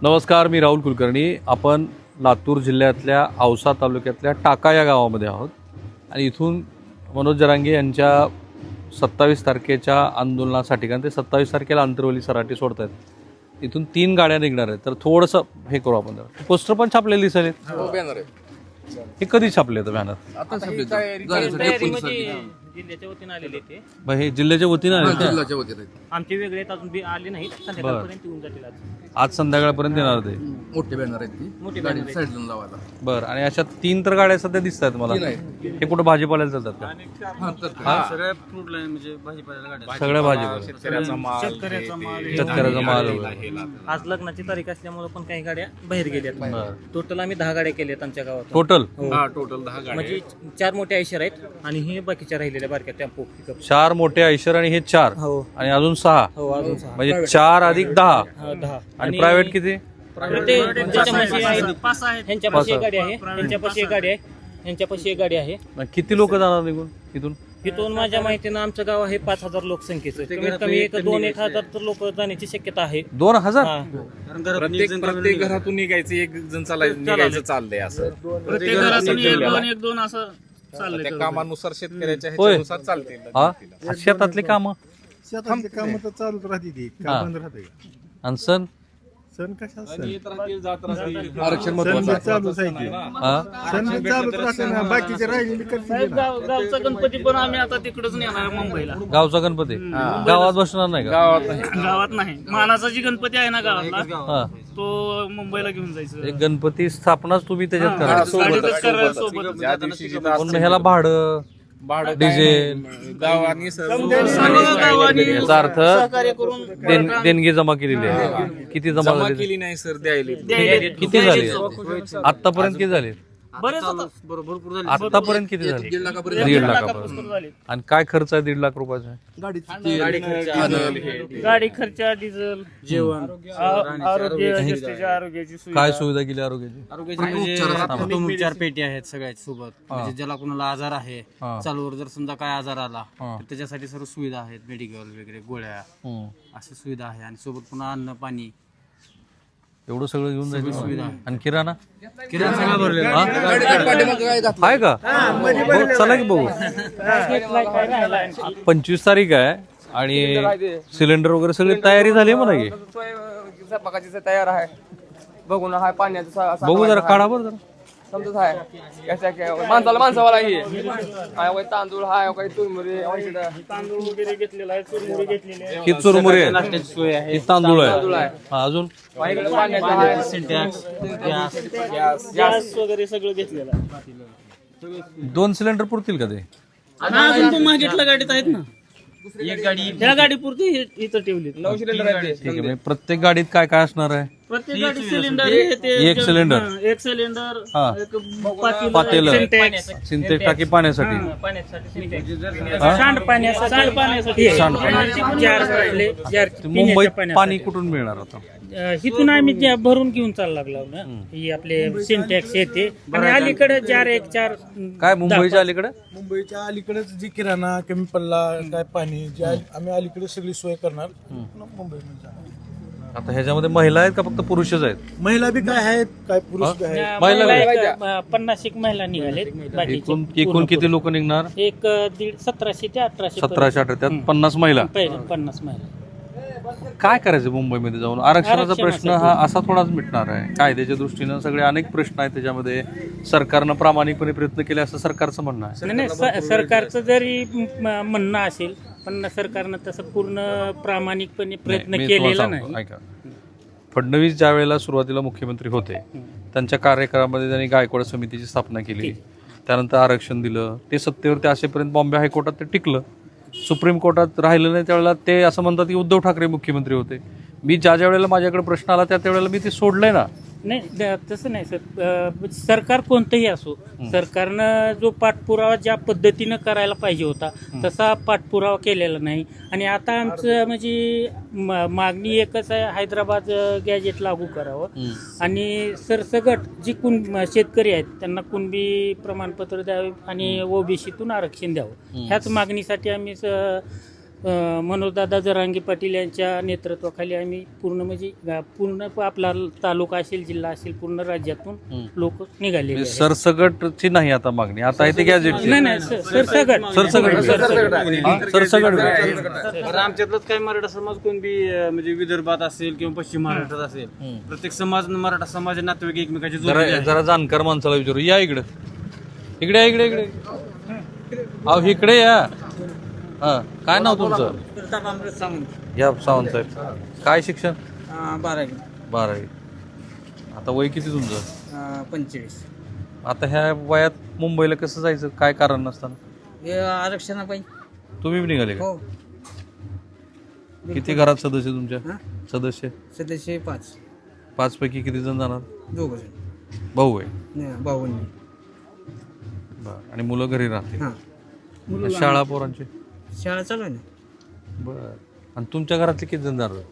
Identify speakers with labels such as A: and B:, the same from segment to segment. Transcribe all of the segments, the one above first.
A: नमस्कार, मी राहुल कुलकर्णी. आपण लातूर जिल्ह्यातल्या औसा तालुक्यातल्या टाका या गावामध्ये आहोत आणि इथून मनोज जरांगे यांच्या 27 तारखेच्या आंदोलनासाठी, कारण ते 27 तारखेला आंतरवली सराटी सोडत आहेत, इथून 3 गाड्या निघणार आहेत. तर थोडंसं हे करू आपण. पोस्टर पण छापलेले दिसले. हे कधी छापले तर बॅनर?
B: जिल्ह्याच्या वतीने आलेले ते.
A: हे जिल्ह्याच्या वतीने आले का?
B: आमचे वेगळे अजून बी आले नाहीत. संध्याकाळपर्यंत येऊन जातील आज.
A: आज संध्याकाळपर्यंत येणार ते.
C: मोठे बॅनर आहेत ती,
B: मोठे
C: गाडी
B: बॅनर
C: साईडला लावायला.
A: बरं. आणि अशा 3 तर गाड्या सध्या दिसत आहेत मला. हे कुठं भाजीपाल्याला चालतात का?
B: सगळ्या फ्रूट लाईन म्हणजे भाजीपाल्याला गाड्या.
A: सगळ्या भाजीपाला,
B: शेतकऱ्याचा माल आज लग्नाची तारीख असल्यामुळे पण काही गाड्या बाहेर गेल्यात. टोटल आम्ही 10 गाड्या केल्यात आमच्या गावात.
A: टोटल
B: टोटल 10 गाड्या म्हणजे 4 मोठे आयशर आहेत आणि हे बाकीच्या राहिलेल्या बारक्या टेम्पो पिकअप.
A: 4 मोठे आयशर आणि हे 4
B: हो
A: आणि अजून 6
B: हो अजून 6
A: म्हणजे 4 अधिक 10.
B: 10
A: आणि प्रायव्हेट किती?
B: ह्यांच्यापाशी एक गाडी आहे, ह्यांच्यापाशी एक गाडी आहे, ह्यांच्यापाशी एक गाडी आहे.
A: किती लोक जाणार निघून इथून?
B: इथून माझ्या माहितीनं आमचं गाव आहे 5,000 लोकसंख्येचं. कमीत कमी 2-1,000 तर लोक जाण्याची शक्यता आहे.
A: 2000?
D: प्रत्येक घरातून निघायचं, एक जण निघायचं चाललंय असं.
B: प्रत्येक घरातून 1-2 असं चाललंय.
D: त्या कामानुसार शेतकऱ्याच्या ह्याच्यानुसार चालते.
A: हा, शेतातली कामं
E: शेतातली कामं तर चालूच राहते ती, का बंद राहते का?
A: आणि सण
E: सण कशा सण
C: आरक्षण
E: सण
C: महत्वाचं
E: बी
C: आहे.
E: चालूच आहे की.
A: हा
E: सण बी चालूच राहते ना, बाकीचे राहिलेली करते ना.
B: गावचा गणपती पण आम्ही आता तिकडच नेणार मुंबईला.
A: गावचा गणपती गावात बसणार नाही का?
B: गावात नाही. मानाचा जी गणपती आहे ना गावातला,
A: हा,
B: तो मुंबईला घेऊन जायचं.
A: एक गणपती स्थापनाच तुम्ही त्याच्यात करा.
B: गाडीतच करायला सोबत.
D: ज्या दिवशी
A: पण मग ह्याला भाडं, डिझेल,
D: गावानी
A: याचा अर्थ
B: सहकार्य करून
A: देणगी जमा केलेली आहे. किती जमा
D: जमा
A: झाली?
D: केली नाही सर, द्यायला.
A: किती झाली आतापर्यंत? किती झाली
B: बरेच भरपूर झाले.
A: आतापर्यंत? किती झाली?
C: 1.5 लाखापर्यंत
A: 1.5 लाखापर्यंत.
B: झाले.
A: आणि काय खर्च आहे 1.5 लाख रुपयाचा?
B: गाडी खर्च, डिझेल, जेवण, आरोग्य, आरोग्याची सुविधा.
A: काय सुविधा केली आरोग्याची?
F: कुटुंबोपचार पेटी आहेत सगळ्यात सोबत. म्हणजे ज्याला कोणाला आजार आहे, चालूवर जर समजा काय आजार आला तर त्याच्यासाठी सर्व सुविधा आहेत. मेडिकल वगैरे, गोळ्या, अशी सुविधा आहे. आणि सोबत पुन्हा अन्न पाणी
A: एवढं सगळं घेऊन जायचं
F: सुविधा आहे.
A: आणि किराणा
F: सगळं भरलेलं आहे.
A: आहे का? हो, चला की बघू. 25 तारीख आहे आणि सिलेंडर वगैरे सगळी तयारी झाली आहे म्हणा की.
G: स्वयंपाकाची तयार आहे. बघून हाय पाण्याचं
A: बघू जरा, काढा बरं जरा.
G: समजत आहे. माणसावाला ही हाय, तांदूळ हाय, काही तुरमुरी,
B: तांदूळ वगैरे घेतलेला आहे, चुरमुरी घेतलेली आहे.
A: ही चुरमुरी आहे,
F: नाश्त्याची सोय आहे.
A: ही तांदूळ आहे. हा, अजून
G: पाण्याचं आहे,
F: सिंटॅक्स, गॅस,
B: गॅस वगैरे सगळं घेतलेलं आहे.
A: 2 सिलेंडर पुरतील का ते?
B: अजून तो मागितल्या गाडीत आहेत ना.
F: एक गाडी
B: त्या गाडी पुरती इथं ठेवली.
G: 9 सिलेंडर आहेत ते.
A: ठीक आहे. म्हणजे प्रत्येक गाडीत काय काय असणार आहे?
B: प्रत्येक गाडी सिलेंडर हे ते
A: एक सिलेंडर.
B: एक सिलेंडर,
A: हा.
B: एक पातेलं,
A: पातेलं.
B: सिंटेक्स,
A: सिंथेटिक टाकी पाण्यासाठी.
B: पाण्यासाठी सिंटेक्स.
A: हा?
B: सांडपाण्यासाठी
A: मुंबईत पाणी कुठून मिळणार आता?
B: इथून आम्ही भरून घेऊन चालला लागलो ना. ही आपले सिंटॅक्स येते आणि अलीकडे 4
A: काय मुंबईच्या अलीकडे?
E: मुंबईच्या अलीकडेच जी किराणा कमी पडला, काय पाणी जे आम्ही अलीकडे सगळी सोय करणार मुंबईमध्ये.
A: आता ह्याच्यामध्ये महिला आहेत का फक्त पुरुषच आहेत?
E: महिला बी काय आहेत, काय पुरुष बी आहेत.
A: महिला
B: 50 महिला निघालेत.
A: एकूण किती लोक निघणार?
B: एक 1700 ते 1800.
A: 1700-1800, त्यात 50 महिला.
B: 50 महिला.
A: काय करायचं मुंबईमध्ये जाऊन? आरक्षणाचा प्रश्न हा असा थोडाच मिटणार आहे. कायद्याच्या दृष्टीनं सगळे अनेक प्रश्न आहेत त्याच्यामध्ये. सरकारनं प्रामाणिकपणे प्रयत्न केले असं सरकारचं म्हणणं आहे.
B: नाही, सरकारचं जरी म्हणणं असेल, पण सरकारनं तसं पूर्ण प्रामाणिकपणे प्रयत्न
A: मी
B: केलेला
A: तुम्हाला
B: नाही.
A: सांगतो, ऐका. फडणवीस ज्या वेळेला सुरुवातीला मुख्यमंत्री होते, त्यांच्या कार्यकाळामध्ये त्यांनी गायकवाड समितीची स्थापना केली. त्यानंतर आरक्षण दिलं. ते सत्तेवरती असेपर्यंत बॉम्बे हायकोर्टात ते टिकलं. सुप्रीम कोर्टात राहिलं नाही त्यावेळेला ते असं म्हणतात की उद्धव ठाकरे मुख्यमंत्री होते. मी ज्या वेळेला माझ्याकडे प्रश्न आला त्या वेळेला मी ते सोडलंय ना.
B: नाही, तसं नाही सर. सरकार कोणतंही असो, सरकारनं जो पाठपुरावा ज्या पद्धतीनं करायला पाहिजे होता तसा पाठपुरावा केलेला नाही. आणि आता आमचं म्हणजे मागणी एकच आहे, हैदराबाद गॅजेट लागू करावं आणि सरसगट जी शेतकरी आहेत त्यांना कुणबी प्रमाणपत्र द्यावे आणि ओबीसीतून आरक्षण द्यावं. ह्याच मागणीसाठी आम्ही मनोजदादा जरांगे पाटील यांच्या नेतृत्वाखाली आम्ही पूर्ण म्हणजे पूर्ण आपला तालुका असेल, जिल्हा असेल, पूर्ण राज्यातून लोक निघालेले आहेत.
A: सरसगटची नाही आता मागणी, आता आहे ते गॅजेटची.
B: नाही नाही सरसगट
A: सरसगट
F: बरं, आमच्यातलंच काही मराठा समाज कोण बी म्हणजे विदर्भात असेल किंवा पश्चिम महाराष्ट्रात असेल, प्रत्येक समाज मराठा समाज नातेवाईक एकमेकाचे जोडलेले आहेत.
A: जरा जाणकार माणसाला विचारू. या इकडे इकडे या, इकडे इकडे अहो इकडे या. हा, काय नाव तुमचं? या सावंत साहेब. काय शिक्षण? 12वी. आता वय किती तुमचं?
H: 45.
A: आता ह्या वयात मुंबईला कसं जायचं, काय कारण नसताना?
H: हे आरक्षणापायी.
A: तुम्ही बी निघाले का?
H: हो.
A: किती घरात सदस्य तुमच्या? सदस्य
H: सदस्य 5.
A: 5 पैकी किती जण जाणार?
H: 2 जण.
A: भाऊ आहे.
H: भाऊंनी.
A: बरं. आणि मुलं घरी राहते?
H: हां.
A: शाळा पोरांची?
H: शाळा चालू आहे ना.
A: बरं. आणि तुमच्या घरातले किती जण जाणार?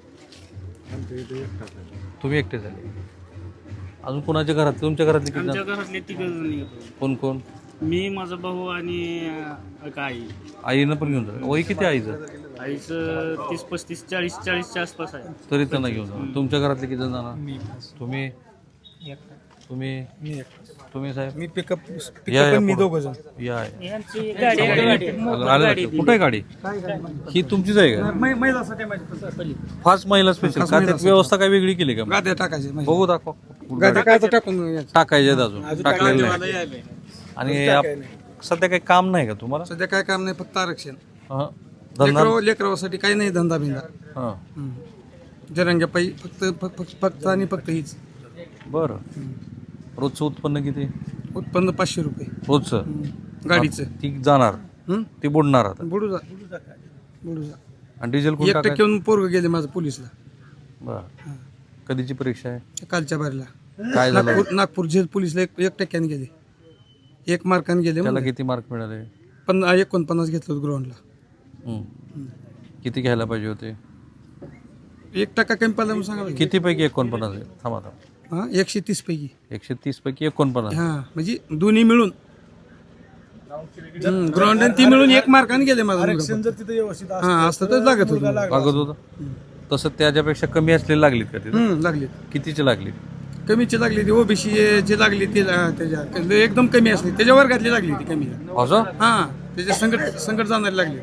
A: तुम्ही एकटे झाले. अजून कोणाच्या घरात? तुमच्या घरातले किती
B: आमच्या
A: जण?
B: घरातले 3 जण.
A: कोण कोण?
B: मी, माझा भाऊ आणि आई.
A: आईनं पण घेऊन जा. वय किती आईचं?
B: आईचं 30-35, 40-40च्या आसपास आहे.
A: तरी त्यांना घेऊन जा. तुमच्या घरातले किती जण जाणार? तुम्ही तुम्ही तुम्ही साहेब?
E: मी पिकअप
A: या, या,
E: मी
A: पुढं.
E: 2 जण.
A: या
B: यांची गाडी
A: आलं लक्षात. कुठे आहे गाडी? ही तुमचीच आहे का? फास्ट महिला स्पेशल का? त्यात व्यवस्था काय वेगळी केली का?
E: गाद्या टाकायचे
A: बघू दाखवा.
E: टाकून
A: टाकायचे अजून टाकलेलं नाही. आणि सध्या काही काम नाही का तुम्हाला?
E: सध्या काय काम नाही, फक्त आरक्षण.
A: हं. धंदा?
E: लेकरावासाठी काही नाही धंदा बिंदा.
A: हं.
E: जरंग्या पायी फक्त आणि फक्त हीच.
A: बरं. रोजचं उत्पन्न किती?
E: उत्पन्न 500 रुपये
A: रोजचं?
E: गाडीचं.
A: ती जाणार, ती बुडणार आता.
E: बुडू जा.
A: आणि डिझेल कोण
E: 1%
A: टाकायचं?
E: पोरग गेले माझं पोलिसला
A: बरं. कधीची परीक्षा आहे?
E: कालच्या बारीला.
A: काय झालं?
E: नागपूर झेल पोलिसला 1% गेले. 1 मार्काने गेले.
A: त्याला किती मार्क मिळाले?
E: 49 घेतलं ग्राउंडला.
A: किती घ्यायला पाहिजे होते?
E: 1% कमी पडला म्हणून सांगा.
A: किती पैकी 49 आहे? थांबा.
E: 130 पैकी.
A: 130 पैकी 49.
E: हा, म्हणजे दोन्ही मिळून ग्राउंड ती मिळून 1 मार्काने गेले माझं. हा, असतं तर लागत होतं.
A: लागत होतं. तसं त्याच्यापेक्षा कमी असलेली लागलीत का तिथे?
E: लागली.
A: कितीची लागली?
E: कमीची लागली ती ओबीसी जे लागली ती त्याच्या एकदम कमी असली त्याच्या वर्गातली लागली ती कमी.
A: असं?
E: हा, त्याच्या संकट जाणारी लागली.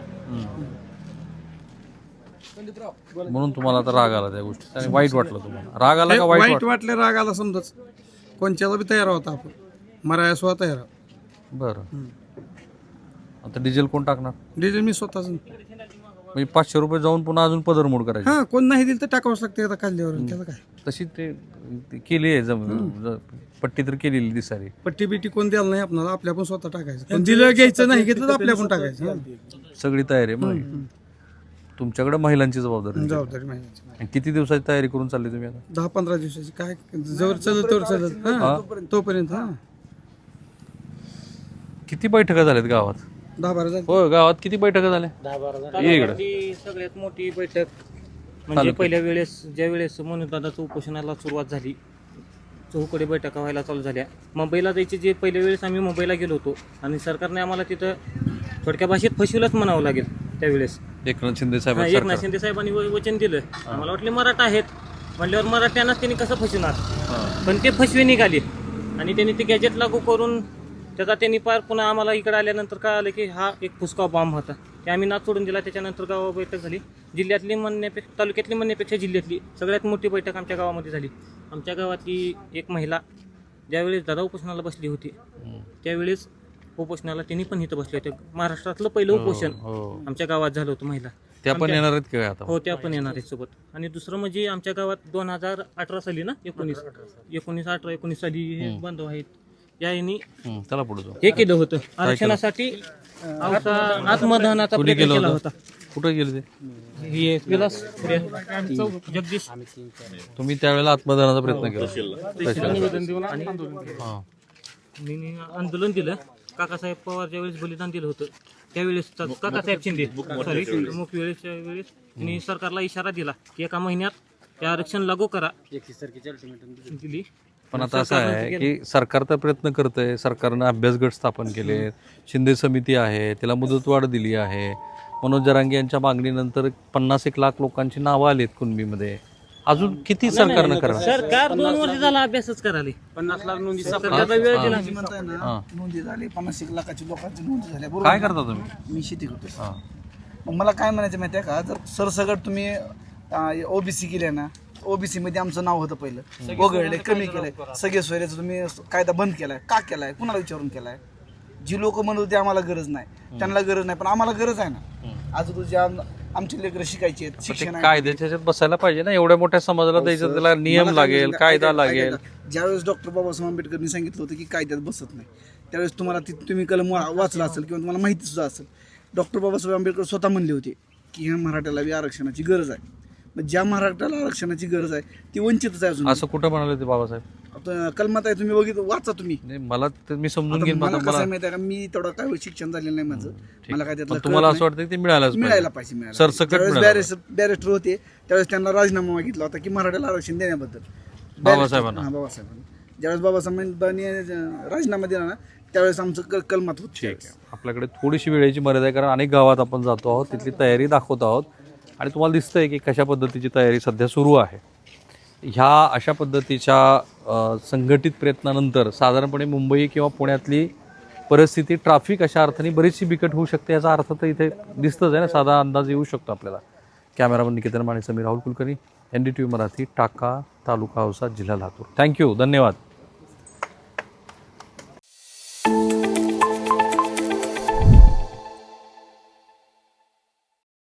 A: म्हणून तुम्हाला आता राग आला त्या गोष्टी आणि वाईट वाटलं तुम्हाला? राग आला का वाईट
E: वाईट वाटलं? राग आला समजाच. कोणच्याला बी तयार होता आपण, मराया स्वतः तयार.
A: बरं. आता डिझेल कोण टाकणार?
E: डिझेल मी स्वतःच.
A: म्हणजे 500 रुपये जाऊन पुन्हा अजून पदरमोड करायची?
E: हा, कोण नाही दिलं तर टाकावंच लागते आता काढल्यावर. त्याला काय
A: तशी ते केली आहे पट्टी तर केलेली दिसारी.
E: पट्टी बिट्टी कोण द्यायला नाही आपल्याला, आपल्या पण स्वतः टाकायचं. पण दिलं घ्यायचं नाही घेतलं तर आपल्या पण टाकायचं.
A: सगळी तयारी आहे मग. तुमच्याकडे महिलांची जबाबदारी.
E: जबाबदारी माहिती.
A: आणि किती दिवसाची तयारी करून चालली तुम्ही आता?
E: 10-15 दिवसाची. काय जवळ चलत तोवर चलत. हा, तोपर्यंत. हा,
A: किती बैठका झाल्यात गावात?
E: 10-12 झाले.
A: हो, गावात किती बैठका झाल्या?
B: तालुक्यातली सगळ्यात मोठी बैठक म्हणजे पहिल्या वेळेस ज्या वेळेस मनोजदादाचं उपोषणाला सुरुवात झाली, चौकडे बैठका व्हायला चालू झाल्या. मुंबईला जायचे जे पहिल्या वेळेस आम्ही मुंबईला गेलो होतो आणि सरकारने आम्हाला तिथं थोडक्या भाषेत फसवलंच म्हणावं लागेल त्यावेळेस.
A: एकनाथ शिंदे साहेब
B: एकनाथ शिंदे साहेबांनी वचन दिलं. आम्हाला वाटले मराठा आहेत म्हणल्यावर मराठ्यांनाच त्यांनी कसं फसवणार, पण ते फसवे निघाले आणि त्यांनी ते गॅजेट लागू करून त्याचा त्यांनी पार पुन्हा आम्हाला इकडे आल्यानंतर काय आलं की हा एक फुसका बॉम्ब होता. ते आम्ही नाच सोडून दिला. त्याच्यानंतर गावावर बैठक झाली. जिल्ह्यातली म्हणण्यापेक्षा तालुक्यातली म्हणण्यापेक्षा जिल्ह्यातली सगळ्यात मोठी बैठक आमच्या गावामध्ये झाली. आमच्या गावातली एक महिला ज्यावेळेस दादा उपोषणाला बसली होती त्यावेळेस उपोषणाला त्यांनी पण इथं बसले होते. महाराष्ट्रातलं पहिलं उपोषण आमच्या गावात झालं होतं. महिला
A: त्या पण येणार आहेत का आता?
B: हो, त्या पण येणार आहेत सोबत. आणि दुसरं म्हणजे आमच्या गावात 2018 साली ना 19 साली हे बांधव आहेत यांनी
A: त्याला पुढे जाऊ.
B: हे केलं होतं आरक्षणासाठी आत्मदानाचा प्रयत्न केला होता.
A: कुठे गेले ते?
B: हे विलास जगदीश
A: तुम्ही त्यावेळेला आत्मदानाचा प्रयत्न केला?
B: निवेदन देऊन आणि आंदोलन दिलं. काकासाहेब पवार ज्यावेळेस बलिदान दिलं होतं त्यावेळेस काकासाहेब शिंदे वेळेस त्यांनी सरकारला इशारा दिला की 1 महिन्यात ते आरक्षण लागू करा.
F: 31 तारखेची अल्टिमेटम
B: दिली.
A: पण आता असं आहे की सरकार तर प्रयत्न करतंय. सरकारनं अभ्यास गट स्थापन केले, शिंदे समिती आहे, त्याला मुदतवाढ दिली आहे. मनोज जरांगे यांच्या मागणीनंतर 50-1 लाख लोकांची नावं आलीत कुणबीमध्ये. अजून किती सरकारनं करणार?
B: सरकार 2 वर्ष झाला अभ्यासच करायला.
F: 50 लाख नोंदी
B: सरकारला वेळ दिला.
E: म्हणताय ना नोंदी झाली 50-1 लाखाची लोकांची नोंदी झाल्या
A: काय करता तुम्ही?
E: मी शेती करतो. मग मला काय म्हणायचं माहिती आहे का, जर सरसकट तुम्ही ओबीसी केले ना, ओबीसी मध्ये आमचं नाव होतं पहिलं, वगळले, कमी केलंय, सगळे सोयऱ्याचं तुम्ही कायदा बंद केलाय, का केलाय, कुणाला विचारून केलाय? जी लोक म्हणत होती आम्हाला गरज नाही, त्यांना गरज नाही, पण आम्हाला गरज आहे ना. आज तुझ्या आमची लेकरं शिकायची आहेत, शिक्षण आहे.
A: कायद्याच्या ह्याच्यात बसायला पाहिजे ना, एवढ्या मोठ्या समाजाला द्यायचं, त्याला नियम
E: मला काय
A: लागेल,
E: म्हणायचं,
A: कायदा
E: ऐका-
A: लागेल.
E: ऐका- ज्यावेळेस डॉक्टर बाबासाहेब आंबेडकरांनी सांगितलं होतं की कायद्यात बसत नाही, त्यावेळेस तुम्हाला तुम्ही कलम वाचला असेल किंवा तुम्हाला माहिती सुद्धा असेल. डॉक्टर बाबासाहेब आंबेडकर स्वतः म्हणले होते की ह्या मराठ्याला बी आरक्षणाची गरज आहे. मग ज्या मराठ्याला आरक्षणाची गरज आहे ती वंचितच आहे अजून.
A: असं कुठं म्हणाले ते बाबासाहेब?
E: आता कलमात आहे, तुम्ही बघितलं, वाचा तुम्ही.
A: नाही, मला ते मी समजून
E: आता
A: घेईन.
E: मला
A: मला
E: कसं आहे माहिती आहे का, मी तेवढं काय शिक्षण झालेलं नाही माझं, मला काय त्यातलं
A: पण तुम्हाला
E: कळत
A: असं वाटतं की ते मिळालंच
E: नाही. मिळायला पाहिजे, मिळायला पाहिजे.
A: सरसकट
E: ज्यावेळेस
A: मिळालं.
E: बॅरिस्टर होते त्यावेळेस त्यांना राजीनामा मागितला होता की मराठ्याला आरक्षण देण्याबद्दल.
A: बाबासाहेबांना.
E: हां, बाबासाहेबांनी. ज्यावेळेस बाबासाहेबांनी राजीनामा दिला ना, त्यावेळेस आमचं कलमात होत.
A: ठीक आहे. आपल्याकडे थोडीशी वेळेची मर्यादा आहे, कारण अनेक गावात आपण जातो आहोत, तिथली तयारी दाखवत आहोत आणि तुम्हाला दिसतंय की कशा पद्धतीची तयारी सध्या सुरू आहे. ह्या अशा पद्धतीच्या संघटित प्रयत्नानंतर साधारणपणे मुंबई किंवा पुण्यातली परिस्थिती ट्रॅफिक अशा अर्थाने बरीचशी बिकट होऊ शकते, याचा अर्थ तर इथे दिसतंच आहे ना, साधा अंदाज येऊ शकतो आपल्याला. कॅमेरामन निकेतन माने, समीर राहुल कुलकर्णी, NDTV मराठी, टाका, तालुका औसा, जिल्हा लातूर. थँक्यू, धन्यवाद.